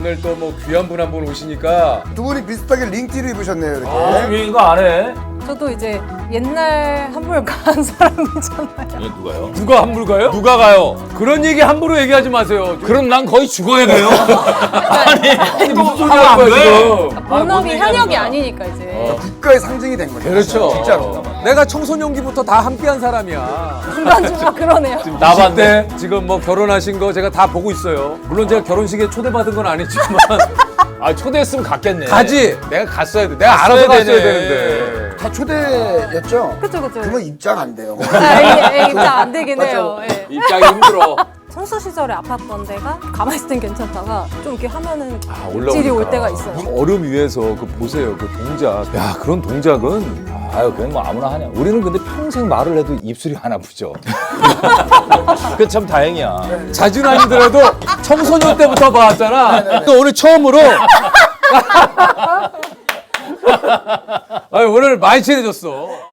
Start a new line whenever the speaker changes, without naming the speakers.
오늘 또 뭐 귀한 분 한 분 오시니까
두 분이 비슷하게 링티를 입으셨네요, 이렇게.
유행인 거 안 해?
저도 이제 옛날 한물 간 사람이잖아요.
누가요?
누가 함부로 가요?
누가 가요?
그런 얘기 함부로 얘기하지 마세요.
그럼 난 거의 죽어야 돼요. 아니
무슨 소리
하면 안
하는 거야
돼.
지금?
본업이 현역이 아니니까 이제
국가의 상징이 된 거죠.
그렇죠.
진짜로.
내가 청소년기부터 다 함께한 사람이야.
중간중간 그러네요.
나봤네. 지금 뭐 결혼하신 거 제가 다 보고 있어요. 물론 제가 결혼식에 초대받은 건 아니지만
아 초대했으면 갔겠네.
가지. 내가 갔어야 돼. 내가 알아서 갔어야 되는데.
다 초대였죠?
그쵸.
그러면 입장 안 돼요.
입장 안 되긴 해요. 예.
입장이 힘들어.
선수 시절에 아팠던 데가 가만히 있을 땐 괜찮다가 좀 이렇게 하면은
올라오니까.
질이 올 때가 있어요.
얼음 위에서 그 보세요. 그 동작. 야 그런 동작은
아유 그건 뭐 아무나 하냐. 우리는 근데 평생 말을 해도 입술이 안 아프죠. 그 참 다행이야.
자주는 아니더라도 청소년 때부터 봐왔잖아. 또 오늘 처음으로. 아유, 오늘 많이 친해졌어.